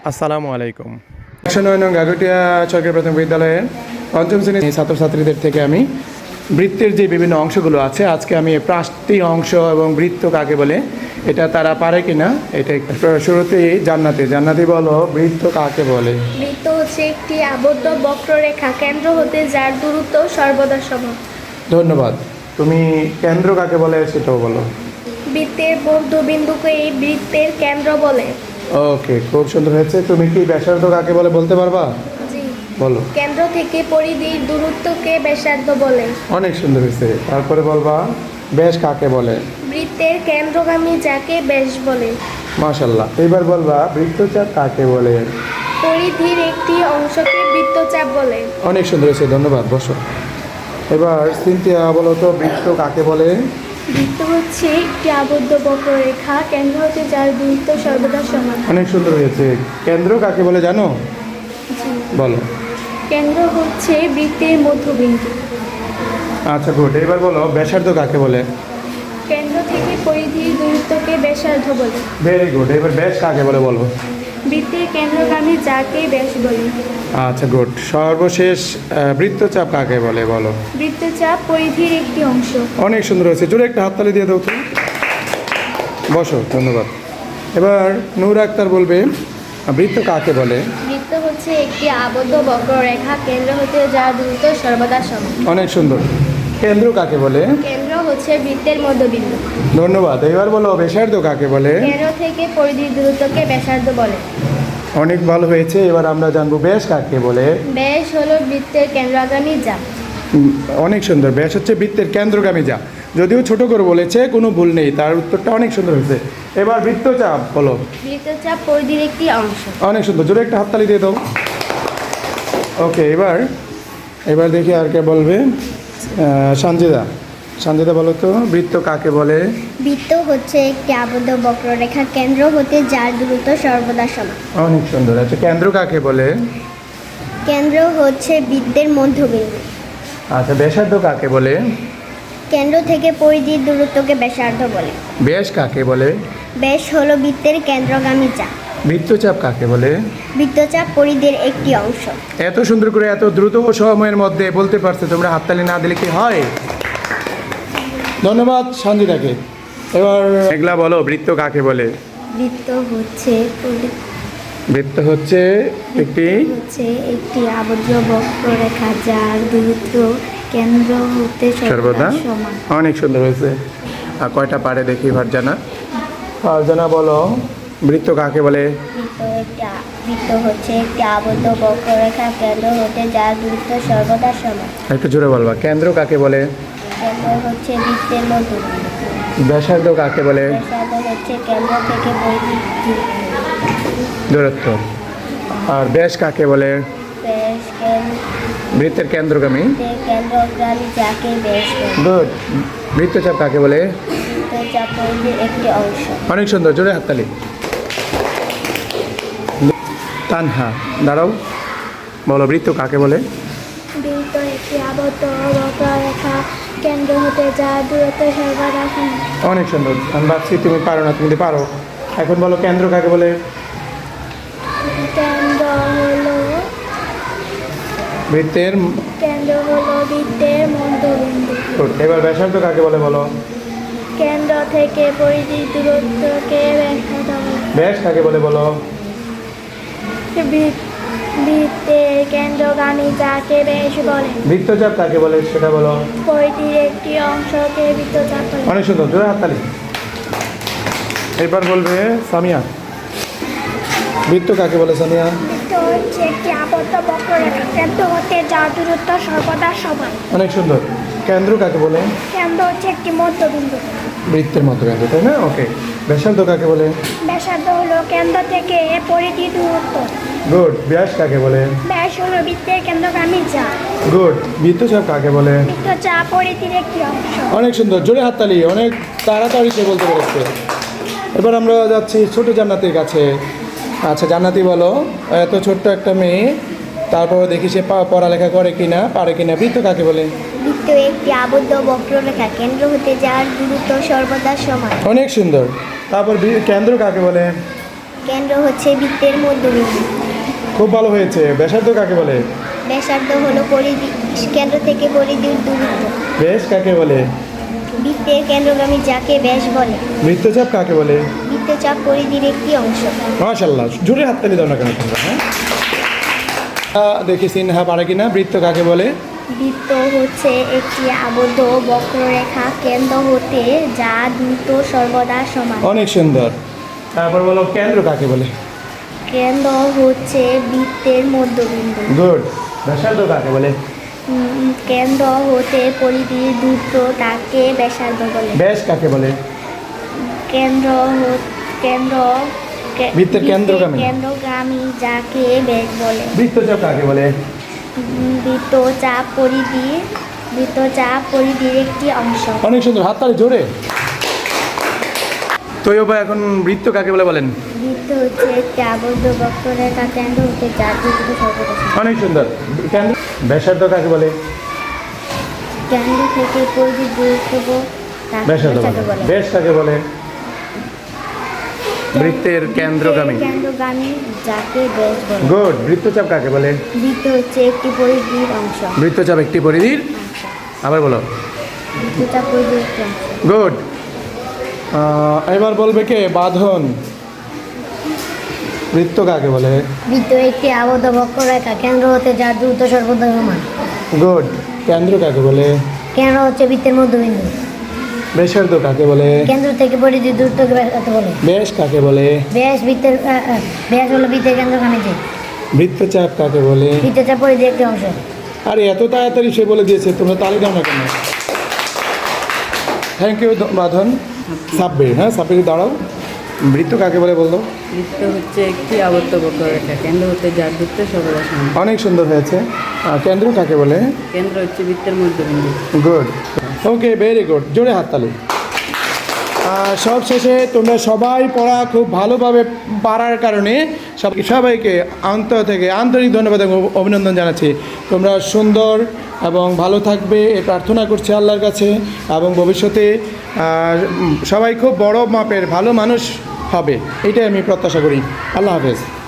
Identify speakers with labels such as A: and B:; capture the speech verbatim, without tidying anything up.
A: আসসালামু আলাইকুম। একশো নয় নং গাগুটিয়া সরকারি প্রাথমিক বিদ্যালয়ের পঞ্চম শ্রেণীর ছাত্রছাত্রীদের থেকে আমি বৃত্তের যে বিভিন্ন অংশগুলো আছে আজকে আমি প্রান্তিক অংশ এবং বৃত্ত কাকে বলে এটা তারা পারে কিনা এটা শুরুতেই জান্নাতি জান্নাতি বলো বৃত্ত কাকে বলে?
B: বৃত্ত হচ্ছে একটি আবদ্ধ বক্ররেখা কেন্দ্র হতে যার দূরত্ব সর্বদা সমান।
A: ধন্যবাদ। তুমি কেন্দ্র কাকে বলে সেটাও বলো।
B: বৃত্তের মধ্যবিন্দুকে এই বৃত্তের কেন্দ্র বলে।
A: ওকে, খুব সুন্দর হয়েছে। তুমি কি ব্যাসার্ধ কাকে বলে বলতে পারবা?
B: জি,
A: বলো।
B: কেন্দ্র থেকে পরিধির দূরত্বকে ব্যাসার্ধ বলে।
A: অনেক সুন্দর হয়েছে। তারপরে বলবা ব্যাস কাকে বলে?
B: বৃত্তের কেন্দ্রগামী যাকে ব্যাস বলে।
A: মাশাআল্লাহ। এবার বলবা বৃত্তচাপ কাকে বলে?
B: পরিধির একটি অংশকে বৃত্তচাপ বলে।
A: অনেক সুন্দর হয়েছে, ধন্যবাদ। বসো। এবার সিনথিয়া বলো তো বৃত্ত কাকে বলে?
B: বৃত্ত হচ্ছে একটি আবদ্ধ বক্ররেখা কেন্দ্র হতে যার দূরত্ব সর্বদা সমান।
A: অনেক সুন্দর হয়েছে। কেন্দ্র কাকে বলে জানো? বলো।
B: কেন্দ্র হচ্ছে বৃত্তের মধ্যবিন্দু।
A: আচ্ছা, গুড। এবার বলো ব্যাসার্ধ কাকে বলে?
B: কেন্দ্র থেকে পরিধির দূরত্বকে ব্যাসার্ধ বলে।
A: Very good. এবার ব্যাস কাকে বলে বলো?
B: বৃত্তের কেন্দ্রগামী যাকে ব্যাস বলে।
A: আচ্ছা, গুড। সর্বশেষ বৃত্তচাপ কাকে বলে বলো?
B: বৃত্তচাপ পরিধির একটি অংশ।
A: অনেক সুন্দর হয়েছে। জোরে একটা হাততালি দিয়ে দাও তো। বসো, ধন্যবাদ। এবার নূর আক্তার বলবে বৃত্ত কাকে বলে?
B: বৃত্ত হচ্ছে একটি আবদ্ধ বক্ররেখা কেন্দ্র হতে যার দূরত্ব সর্বদা সমান।
A: অনেক সুন্দর। কেন্দ্র কাকে বলে?
B: কেন্দ্র হচ্ছে বৃত্তের মধ্যবিন্দু।
A: ধন্যবাদ। এবার বলো ব্যাসার্ধ কাকে বলে?
B: কেন্দ্র থেকে পরিধির দূরত্বকে ব্যাসার্ধ বলে।
A: অনেক ভালো হয়েছে। এবার আমরা জানবো ব্যাস কাকে বলে?
B: ব্যাস হলো বৃত্তের কেন্দ্রগামী যা।
A: উম, অনেক সুন্দর। ব্যাস হচ্ছে বৃত্তের কেন্দ্রগামী যা। যদিও ছোট করে বলেছে, কোনো ভুল নেই, তার উত্তরটা অনেক সুন্দর হয়েছে। এবার বৃত্তচাপ বলো।
B: বৃত্তচাপ পরিধির একটি অংশ।
A: অনেক সুন্দর। জোরে একটা হাততালি দিয়ে দাও। ওকে, এবার এবার দেখি আর কে বলবে। সঞ্জিদা সঞ্জিদা বলো তো বৃত্ত কাকে বলে?
B: বৃত্ত হচ্ছে একটি আবদ্ধ বক্ররেখা কেন্দ্র হতে যার দূরত্ব সর্বদা সমান।
A: অনেক সুন্দর। আচ্ছা, কেন্দ্র কাকে বলে?
B: কেন্দ্র হচ্ছে বৃত্তের মধ্যবিন্দু।
A: আচ্ছা, ব্যাসার্ধ কাকে বলে?
B: কেন্দ্র থেকে পরিধির দূরত্বকে ব্যাসার্ধ বলে।
A: ব্যাস কাকে বলে?
B: ব্যাস হলো বৃত্তের কেন্দ্রগামী চাপ।
A: বৃত্তচাপ কাকে বলে?
B: বৃত্তচাপ পরিধির একটি অংশ।
A: এত সুন্দর করে এত দ্রুত সময়ের মধ্যে বলতে পারছে, তোমরা হাততালি না দিলে কি হয়? ধন্যবাদ সঞ্জিদাকে। এবার মেঘলা বলো বৃত্ত কাকে বলে?
B: বৃত্ত হচ্ছে
A: বৃত্ত হচ্ছে একটি
B: হচ্ছে একটি আবদ্ধ বক্ররেখা যার দূরত্ব কেন্দ্র হতে
A: সর্বদা
B: সমান।
A: অনেক সুন্দর হয়েছে। আর কয়টা পারে দেখি ফারজানা। ফারজানা বলো বৃত্ত কাকে বলে?
B: বৃত্ত একটি বৃত্ত হচ্ছে একটি আবদ্ধ বক্ররেখা কেন্দ্র হতে যার দূরত্ব সর্বদা সমান।
A: একটু জোরে বলবা। কেন্দ্র কাকে বলে?
B: কেন্দ্র হচ্ছে বৃত্তের মধ্যবিন্দু।
A: ব্যাসার্ধ কাকে বলে?
B: ব্যাসার্ধ হচ্ছে কেন্দ্র থেকে পরিধির
A: দূরত্ব। আর ব্যাস কাকে বলে?
B: ব্যাস কেন্দ্র
A: বৃত্তের কেন্দ্রগামী।
B: কেন্দ্রগামী যাকে ব্যাস বলে।
A: গুড। বৃত্তচাপ কাকে বলে?
B: বৃত্তচাপ পরিধির একটি অংশ।
A: অনেক সুন্দর। জোরে হাততালি। তানহা দাঁড়াও, বলো বৃত্ত কাকে বলে?
B: বৃত্ত একটি আবদ্ধ বক্ররেখা কেন্দ্র হতে যার দূরত্ব সর্বদা সমান।
A: অনেক সুন্দর। আমি ভাবছি তুমি পারো না, তুমি পারো। এখন বলো কেন্দ্র কাকে বলে?
B: কেন্দ্র হলো
A: বৃত্তের।
B: কেন্দ্র হলো বৃত্তের মধ্যবিন্দু।
A: Good. এবার ব্যাসার্ধ কাকে বলে বলো?
B: কেন্দ্র থেকে পরিধির দূরত্বকে ব্যাসার্ধ বলে।
A: ব্যাস কাকে বলে বলো?
B: বৃত্তের কেন্দ্রগামী যাকে ব্যাস বলে।
A: বৃত্তচাপ কাকে বলে সেটা বলো?
B: পরিধির একটি অংশকে বৃত্তচাপ বলে।
A: অনেক সুন্দর। জোরে হাততালি। এবার বলবে সামিয়া বৃত্ত কাকে বলে? সামিয়া।
B: বৃত্ত হচ্ছে একটি আবদ্ধ বক্ররেখা কেন্দ্র হতে যার দূরত্ব সর্বদা সমান।
A: অনেক সুন্দর। কেন্দ্র কাকে বলে?
B: কেন্দ্র হচ্ছে একটি মধ্যবিন্দু।
A: বৃত্তের মধ্যবিন্দু, তাই না? ওকে। ব্যাসার্ধ কাকে বলে?
B: ব্যাসার্ধ হলো কেন্দ্র থেকে পরিধির দূরত্ব।
A: গুড। ব্যাস কাকে বলে?
B: ব্যাস হলো বৃত্তের কেন্দ্রগামী চাপ।
A: গুড। বৃত্তচাপ কাকে বলে?
B: বৃত্তচাপ পরিধির একটি অংশ।
A: অনেক সুন্দর। জোরে হাততালি। অনেক তাড়াতাড়ি সে বলতে পেরেছে। এবার আমরা যাচ্ছি ছোট জান্নাতির কাছে। আচ্ছা জান্নাতি বলো, এত ছোট্ট একটা মেয়ে, তারপর দেখি সে পড়ালেখা করে কিনা, পারে কিনা। বৃত্ত কাকে বলে?
B: বৃত্ত একটি আবদ্ধ বক্ররেখা কেন্দ্র হতে যার দূরত্ব সর্বদা সমান।
A: অনেক সুন্দর। তারপর কেন্দ্র কাকে বলে?
B: কেন্দ্র হচ্ছে বৃত্তের মধ্যবিন্দু।
A: খুব ভালো হয়েছে। ব্যাসার্ধ কাকে বলে?
B: ব্যাসার্ধ হলো পরিধি, কেন্দ্র থেকে পরিধির দূরত্ব।
A: ব্যাস কাকে বলে?
B: বৃত্তের কেন্দ্রগামী যাকে ব্যাস বলে।
A: বৃত্তচাপ কাকে বলে?
B: বৃত্তচাপ পরিধির একটি অংশ।
A: মাশাআল্লাহ, জোরে হাততালি দাও না কেন তোমরা? হ্যাঁ আহ, দেখি সিনহা পারে কিনা। বৃত্ত কাকে বলে?
B: বৃত্ত হচ্ছে একটি আবদ্ধ বক্ররেখা কেন্দ্র হতে যা দ্রুত সর্বদা সমান।
A: অনেক সুন্দর। তারপর বলো কেন্দ্র কাকে বলে?
B: কেন্দ্র হচ্ছে বৃত্তের মধ্যবিন্দু।
A: গুড। ব্যাসার্ধ কাকে বলে?
B: উম, কেন্দ্র হতে পরিধির দূরত্ব তাকে ব্যাসার্ধ বলে।
A: ব্যাস কাকে বলে?
B: কেন্দ্র হ- কেন্দ্র কে-
A: বৃত্তের কেন্দ্রগামী।
B: কেন্দ্রগামী যাকে ব্যাস বলে।
A: বৃত্তচাপ কাকে বলে?
B: উম, বৃত্তচাপ পরিধি বৃত্তচাপ পরিধির একটি অংশ।
A: অনেক সুন্দর, হাততালি জোরে। তৈয়বা, এখন বৃত্ত কাকে বলে বলেন?
B: বৃত্ত হচ্ছে একটি আবদ্ধ বক্ররেখা কেন্দ্র হতে যার দূরত্ব সর্বদা সমান।
A: অনেক সুন্দর। কেন্দ্র। ব্যাসার্ধ কাকে বলে?
B: কেন্দ্র থেকে পরিধির দূরত্ব তাকে
A: ব্যাসার্ধ
B: ব্যাসার্ধ
A: বলে।
B: বলে।
A: ব্যাস কাকে বলে? বৃত্তের কেন্দ্রগামী।
B: কেন্দ্রগামী যাকে ব্যাস বলে।
A: গুড। বৃত্তচাপ কাকে বলে?
B: বৃত্ত হচ্ছে একটি পরিধির অংশ।
A: বৃত্তচাপ একটি পরিধির। আবার বলো।
B: বৃত্তচাপ পরিধির একটি অংশ।
A: গুড। এবার বলবে কে? বাঁধন। বৃত্ত কাকে বলে?
B: বৃত্ত একটি আবদ্ধ বক্ররেখা কেন্দ্র হতে যার দূরত্ব সর্বদা সমান।
A: গুড। কেন্দ্র কাকে বলে?
B: কেন্দ্র হচ্ছে বৃত্তের মধ্যবিন্দু।
A: ব্যাসার্ধ কাকে বলে?
B: কেন্দ্র থেকে পরিধির দূরত্বকে ব্যাসার্ধ বলে।
A: ব্যাস কাকে বলে?
B: ব্যাস বৃত্তের আহ, আহ, ব্যাস হলো বৃত্তের কেন্দ্রগামী দিক।
A: বৃত্তচাপ কাকে বলে?
B: বৃত্তচাপ পরিধির একটি অংশ।
A: আরে এত তাড়াতাড়ি সে বলে দিয়েছে, তোমরা তালি দাও না কেন? থ্যাংক ইউ বাঁধন। সাব্বির, হ্যাঁ সাব্বির দাঁড়াও। বৃত্ত কাকে বলে বলতো?
C: বৃত্ত হচ্ছে একটি আবদ্ধ বক্ররেখা কেন্দ্র হতে যার দূরত্ব সর্বদা সমান।
A: অনেক সুন্দর হয়েছে। আর কেন্দ্র কাকে বলে?
C: কেন্দ্র হচ্ছে বৃত্তের মধ্যবিন্দু।
A: গুড। Okay, very good. জোরে হাততালি। আর সব শেষে তোমরা সবাই পড়া খুব ভালোভাবে পারার কারণে সব সবাইকে অন্তর থেকে আন্তরিক ধন্যবাদ এবং অভিনন্দন জানাচ্ছি। তোমরা সুন্দর এবং ভালো থাকবে এ প্রার্থনা করছি আল্লাহর কাছে, এবং ভবিষ্যতে আহ, সবাই খুব বড় মাপের ভালো মানুষ হবে, এটাই আমি প্রত্যাশা করি। আল্লাহ হাফেজ।